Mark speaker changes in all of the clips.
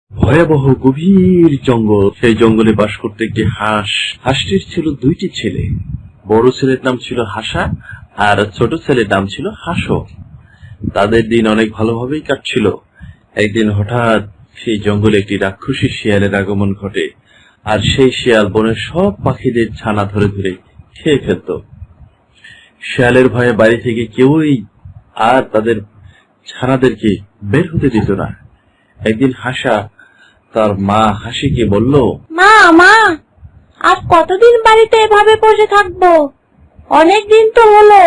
Speaker 1: ভয়াবহ গভীর জঙ্গল। সেই জঙ্গলে বাস করতে একটি হাঁস। হাঁসটির ছিল দুইটি ছেলে। বড় ছেলের নাম ছিল হাসা আর ছোট ছেলের নাম ছিল হাসো। তাদের দিন অনেক ভালোভাবেই কাটছিল। একদিন হঠাৎ সেই জঙ্গলে একটি রাক্ষসী শিয়ালের আগমন ঘটে, আর সেই শিয়াল বনের সব পাখিদের ছানা ধরে ধরে খেয়ে ফেলত। শিয়ালের ভয়ে বাড়ি থেকে কেউই আর তাদের ছানাদেরকে বের হতে দিত না। একদিন হাসা তার মা হাসিকে বলল,
Speaker 2: মা মা আর কতদিন বাড়িতে এভাবে বসে থাকবো? অনেকদিন তো হলো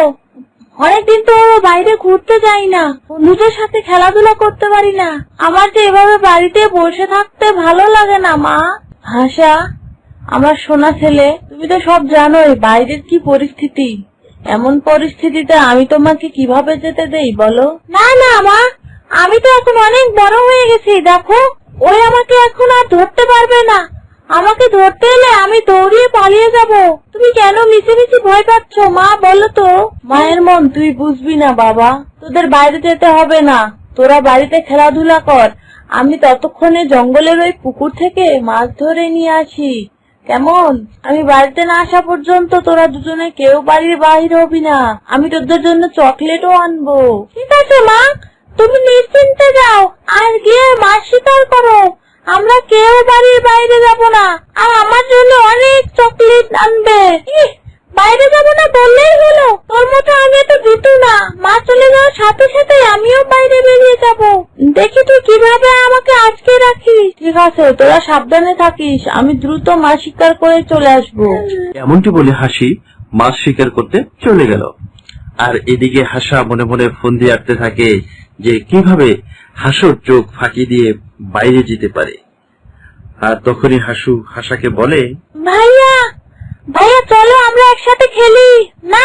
Speaker 2: বাইরে ঘুরতে যাই না, বন্ধুদের সাথে খেলাধুলা করতে পারি না। আমার যে এভাবে বাড়িতে বসে থাকতে ভালো লাগে না মা। হাসা, আমার সোনা ছেলে, তুমি তো সব জানোই বাইরের কি পরিস্থিতি। এমন পরিস্থিতিতে আমি তোমাকে কিভাবে যেতে দেই বলো? না না মা, আমি তো এখন অনেক বড় হয়ে গেছি, দেখো ওই আমাকে এখন আর ধরতে পারবে না। আমাকে ধরতে এলে আমি দৌড়িয়ে পালিয়ে যাব। তুমি কেন মিছিমিছি ভয় পাচ্ছ মা, বলো তো? মায়ের মন তুই বুঝবি না বাবা, তোদের বাইরে যেতে হবে না, তোরা বাড়িতে খেলাধুলা কর। আমি ততক্ষণে জঙ্গলের ওই পুকুর থেকে মাছ ধরে নিয়ে আসি, কেমন? আমি বাড়িতে না আসা পর্যন্ত তোরা দুজনে কেউ বাড়ির বাহির হবি না। আমি তোদের জন্য চকলেটও আনবো। ঠিক আছে মা, তুমি নিশ্চিন্তে যাও আর গিয়ে মাছ শিকার করো। আমরা কেউ বাড়ির বাইরে যাব না, আর আমার জন্য অনেক চকলেট আনবে। বাইরে যাব না বললেই হলো, তোর মতো আমি তো দিতু না। মা চলে যাওয়ার সাথে সাথে আমিও বাইরে বেরিয়ে যাব। দেখি তুই কিভাবে আমাকে আটকে রাখিস। ঠিক আছে, তোরা সাবধানে থাকিস, আমি দ্রুত মাছ শিকার করে চলে আসবো।
Speaker 1: এমনটি বলে হাসি মাছ শিকার করতে চলে গেল। আর এদিকে হাসা মনে মনে ফোন দিয়ে আটতে থাকে যে কিভাবে হাসুর চোখ ফাঁকি দিয়ে বাইরে যেতে পারে। আর তখনই হাসু হাসাকে বলে,
Speaker 2: ভাইয়া ভাইয়া চলো আমরা একসাথে খেলি। না,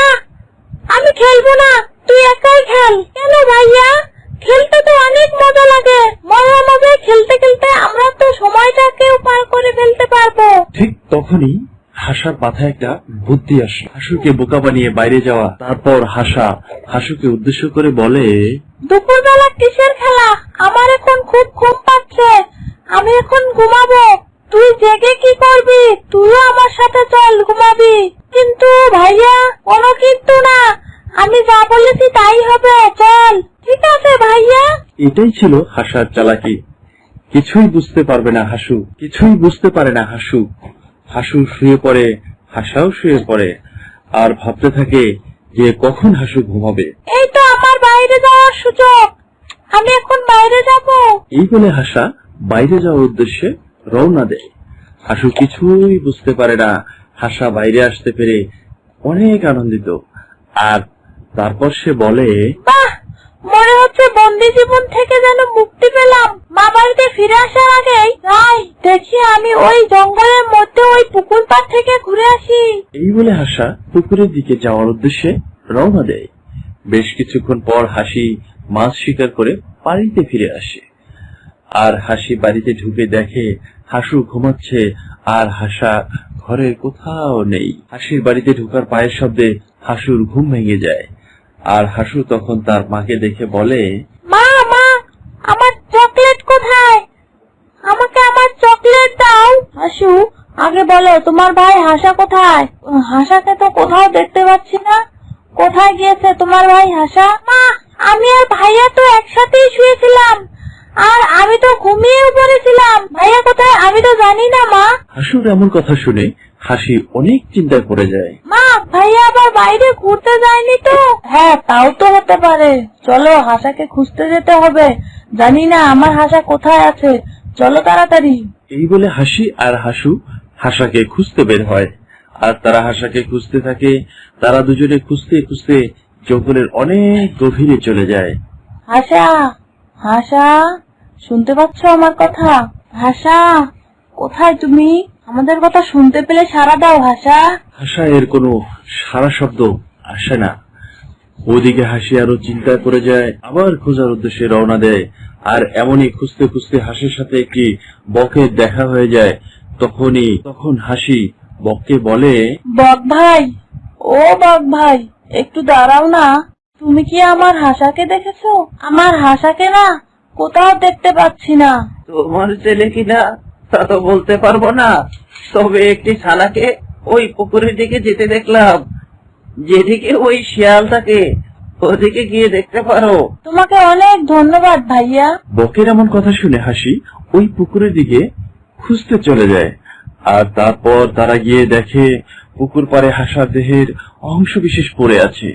Speaker 2: আমি খেলবো না, তুই একাই খেল। কেন ভাইয়া? খেলতে তো অনেক মজা লাগে। মজায় খেলতে খেলতে আমরা তো সময়টাকেও পার করে ফেলতে পারবো।
Speaker 1: ঠিক তখনই হাসার মাথায় একটা বুদ্ধি আসে, হাসুকে বোকা বানিয়ে বাইরে যাওয়া। তারপর হাসা হাসুকে উদ্দেশ্য করে বলে,
Speaker 2: দুপুরবেলা কিসের খেলা? আমার এখন খুব ঘুম পাচ্ছে, আমি এখন ঘুমাবো। তুই জেগে কি করবি? তুইও আমার সাথে চল, ঘুমাবি। কিন্তু ভাইয়া, কোনো কিন্তু না, আমি যা বলেছি তাই হবে, চল। ঠিক আছে ভাইয়া।
Speaker 1: এটাই ছিল হাসার চালাকি। কিছুই বুঝতে পারবে না হাসু, কিছুই বুঝতে পারে না হাসু। হাসু শুয়ে পড়ে, হাসাও শুয়ে পড়ে, আর ভাবতে থাকে যে কখন হাসু ঘুমাবে।
Speaker 2: এই তো আমার বাইরে যাওয়ার সুযোগ, আমি এখন বাইরে যাব।
Speaker 1: এই বলে হাসা বাইরে যাওয়ার উদ্দেশ্যে রওনা দেয়। হাসু কিছুই বুঝতে পারে না। হাসা বাইরে আসতে পেরে অনেক আনন্দিত। আর তারপর সে বলে,
Speaker 2: বাহ, মনে হচ্ছে বন্দি জীবন থেকে যেন মুক্তি পেলাম। মা বাড়িতে ফিরে আসার আগেই যাই, দেখি আমি ওই জঙ্গলের মধ্যে ওই পুকুর পাড় থেকে ঘুরে আসি।
Speaker 1: এই বলে হাসা পুকুরের দিকে যাওয়ার উদ্দেশ্যে রওনা দেয়। বেশ কিছুক্ষণ পর হাসি মাছ শিকার করে বাড়িতে ফিরে আসে। আর হাসি বাড়িতে ঢুকে দেখে হাসু ঘুমাচ্ছে, আর হাসা ঘরে কোথাও নেই। হাসির বাড়িতে ঢোকার পায়ের শব্দে হাসুর ঘুম ভেঙে যায়। আর হাসু তখন তার মাকে দেখে বলে,
Speaker 2: মা মা, আমার চকলেট কোথায়? আমাকে আমার চকলেট দাও। হাসু, আগে বলো তোমার ভাই হাসা কোথায়? হাসাকে তো কোথাও দেখতে পাচ্ছি না, কোথায় গিয়েছে তোমার ভাই হাসা? মা, আমি আর ভাইয়া তো একসাথেই শুয়েছিলাম, আর আমি তো ঘুমিয়েও পড়েছিলাম। ভাইয়া কোথায় আমি তো জানি না মা।
Speaker 1: হাসুর এমন কথা শুনে হাসি অনেক চিন্তায় পড়ে যায়।
Speaker 2: মা, ভাইয়া আবার বাইরে ঘুরতে যায়নি তো? হ্যাঁ, তাও তো হতে পারে। চলো হাসাকে খুঁজতে যেতে হবে, জানি না আমার হাসা কোথায় আছে। চলো তাড়াতাড়ি।
Speaker 1: এই বলে হাসি আর হাসু হাসাকে খুঁজতে বের হয়। আর তারা হাসাকে খুঁজতে থাকে। তারা দুজনে খুঁজতে খুঁজতে জঙ্গলের অনেক গভীরে চলে যায়।
Speaker 2: হাসা, হাসা, শুনতে পাচ্ছ আমার কথা? হাসা, কোথায় তুমি? আমাদের কথা শুনতে পেলে সাড়া দাও হাসা।
Speaker 1: হাসা এর কোনো সারা শব্দ আসে না। ওদিকে হাসি আরো চিন্তা করে যায়, আবার খোঁজার উদ্দেশ্যে রওনা দেয়। আর এমনই খুঁজতে খুঁজতে হাসির সাথে একটি বকের দেখা হয়ে যায়। তখন হাসি বককে বলে,
Speaker 2: বক ভাই, ও বক ভাই, একটু দাঁড়াও না। তুমি কি আমার হাসাকে দেখেছো? আমার হাসাকে না, কোথাও দেখতে পাচ্ছি না।
Speaker 3: তোমার ছেলে কিনা তা তো বলতে পারবো না, তবে একটি ছানাকে ওই পুকুরের দিকে যেতে দেখলাম, যেদিকে ওই শিয়াল থাকে ওদিকে গিয়ে দেখতে পারো।
Speaker 2: তোমাকে অনেক ধন্যবাদ ভাইয়া।
Speaker 1: বকের এমন কথা শুনে হাসি ওই পুকুরের দিকে খুঁজতে চলে যায়। আর তারপর তারা গিয়ে দেখে পুকুর পাড়ে হাসার দেহের অংশ বিশেষ পড়ে আছে।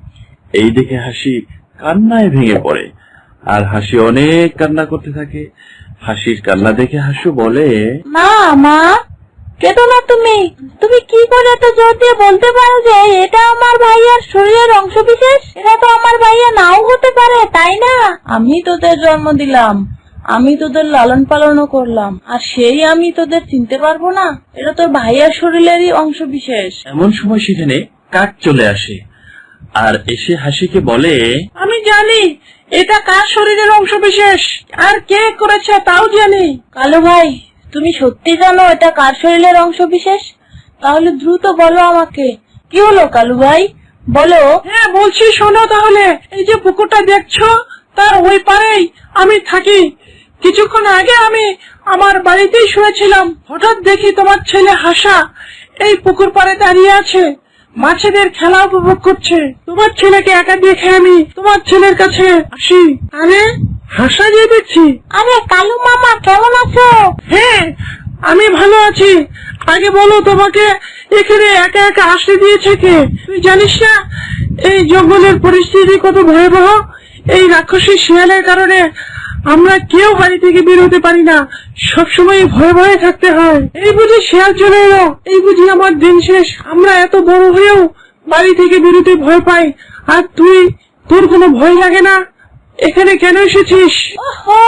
Speaker 1: এই দেখে হাসি কান্নায় ভেঙে পড়ে, আর হাসি অনেক কান্না করতে থাকে। হাসির কান্না দেখে হাসু বলে,
Speaker 2: মা মা কেঁদো না তুমি। তুমি কি করে এত জোর দিয়ে বলতে পারো যে এটা আমার ভাইয়ার শরীরের অংশ বিশেষ? এটা তো আমার ভাইয়া নাও হতে পারে, তাই না? আমি তোদের জন্ম দিলাম, আমি তোদের লালন পালনও করলাম, আর সেই আমি তোদের চিনতে পারবো না? এটা তোর ভাইয়ার শরীরেরই অংশ বিশেষ।
Speaker 1: এমন সময় সেখানে কাক চলে আসে আর এসে হাসিকে বলে,
Speaker 3: আমি জানি এটা কার শরীরের অংশ বিশেষ, আর কে করেছে তাও জানি।
Speaker 2: কালু ভাই, তুমি সত্যি জানো এটা কার শরীরের অংশ বিশেষ? তাহলে দ্রুত বলো আমাকে। কি হলো কালু ভাই, বলো।
Speaker 3: হ্যাঁ বলছি, শোনো তাহলে। এই যে পুকুরটা দেখছো, তার ওই পারেই আমি থাকি। কিছুক্ষণ আগে আমি আমার বাড়িতেই শুয়েছিলাম, হঠাৎ দেখি তোমার ছেলে হাসা এই পুকুর পাড়ে দাঁড়িয়ে আছে, মাছেদের খেলা উপভোগ করছে। তোমার ছেলেকে একা দেখে আমি তোমার ছেলের কাছে আসি। আরে হাসা যে দেখছি।
Speaker 2: আরে কালু মামা, কেমন আছো?
Speaker 3: হ্যাঁ আমি ভালো আছি। আগে বলো, তোমাকে এখানে একা একা আসতে দিয়েছে কে? তুই জানিস না এই জঙ্গলের পরিস্থিতি কত ভয়াবহ? এই রাক্ষসী শিয়ালের কারণে আমরা কেউ বাড়ি থেকে বের হতে পারি না, সবসময় ভয়ে ভয়ে থাকতে হয়। এই বুঝি শিয়াল চলে এলো, এই বুঝি আমার দিন শেষ। আমরা এত বড় হয়েও বাড়ি থেকে বেরোতে ভয় পাই, আর তোর কোনো ভয় লাগে না? এখানে কেন এসেছিস?
Speaker 2: ওহো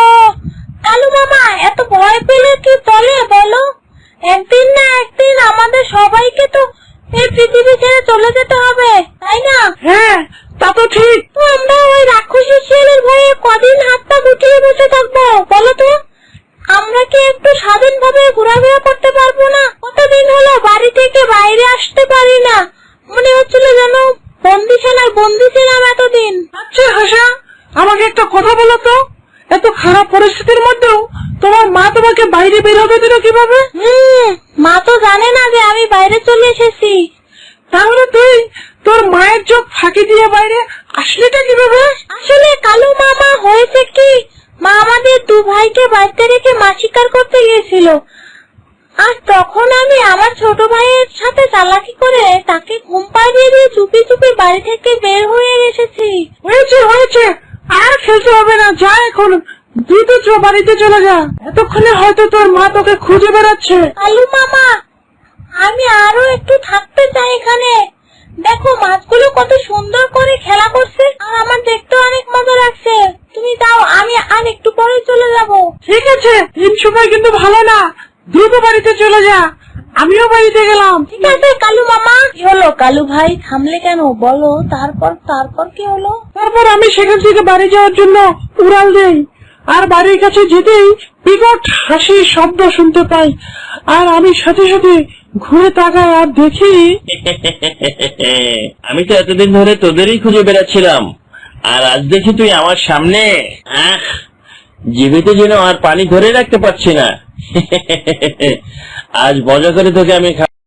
Speaker 2: কালু মামা, এত ভয় পেলে কি চলে বলো? একদিন না একদিন আমাদের সবাইকে তো এই পৃথিবী ছেড়ে চলে যেতে হবে, তাই না?
Speaker 3: হ্যাঁ তা তো ঠিক।
Speaker 2: তো আমরা ওই রাক্ষসী শিয়ালের ভয়ে কদিন হাত পা গুটিয়ে বসে থাকবো বলো তো? আমরা কি একটু স্বাধীনভাবে ঘোরাফেরা করতে পারবো না? কতদিন হলো বাড়ি থেকে বাইরে আসতে পারি না, মনে হচ্ছিল যেন বন্দিশালায় বন্দি ছিলাম এতদিন।
Speaker 3: আচ্ছা হাসা, আমাকে একটা কথা বলো তো, এত খারাপ পরিস্থিতির মধ্যেও তোমার মা তোমাকে বাইরে বের হতে দিল কিভাবে?
Speaker 2: মা তো জানে না যে আমি বাইরে চলে এসেছি।
Speaker 3: তাহলে তুই তোর মায়ের চোখ ফাঁকি দিয়ে বাইরে আসলিটা কিভাবে?
Speaker 2: আসলে কালু মামা, হয়েছে কি, মা আমাদের দু ভাইকে বাড়িতে রেখে মাছ শিকার করতে গিয়েছিল, আর তখন আমি আমার ছোট ভাইয়ের সাথে চালাকি করে তাকে ঘুম পাড়িয়ে দিয়ে চুপি চুপি বাড়ি থেকে বের হয়ে এসেছি।
Speaker 3: হয়েছে, আর খেলতে হবে না, যা এখন দ্রুত বাড়িতে চলে যা। এতক্ষণে হয়তো তোর মা তোকে খুঁজে বেড়াচ্ছে।
Speaker 2: কালু মামা, আমি আরো একটু থাকতে চাই এখানে। দেখো মাছগুলো কত সুন্দর করে খেলা করছে, আর আমার দেখতে অনেক মজা লাগছে। তুমি দাও, আমি আর একটু পরে চলে যাব।
Speaker 3: ঠিক আছে, এই সময় কিন্তু ভালো না, দ্রুত বাড়িতে চলে যা। আমিও বাড়িতে গেলাম।
Speaker 2: ঠিক আছে কালু মামা। কি হলো কালু ভাই, থামলে কেন বলো? তারপর কি হলো?
Speaker 3: তারপর আমি সেখান থেকে বাড়ি যাওয়ার জন্য উড়াল দেই, আর বাড়ির কাছে যেতেই বিকট হাসির শব্দ শুনতে পাই, আর আমি সাথে সাথে ঘুরে তাকাই আর দেখি
Speaker 1: আমি তো এতদিন ধরে তোদেরই খুঁজে বেড়াচ্ছিলাম, আর আজ দেখি তুই আমার সামনে। জীবিত যেন আর পানি ধরে রাখতে পারছি না। আজ মজা করে তোকে আমি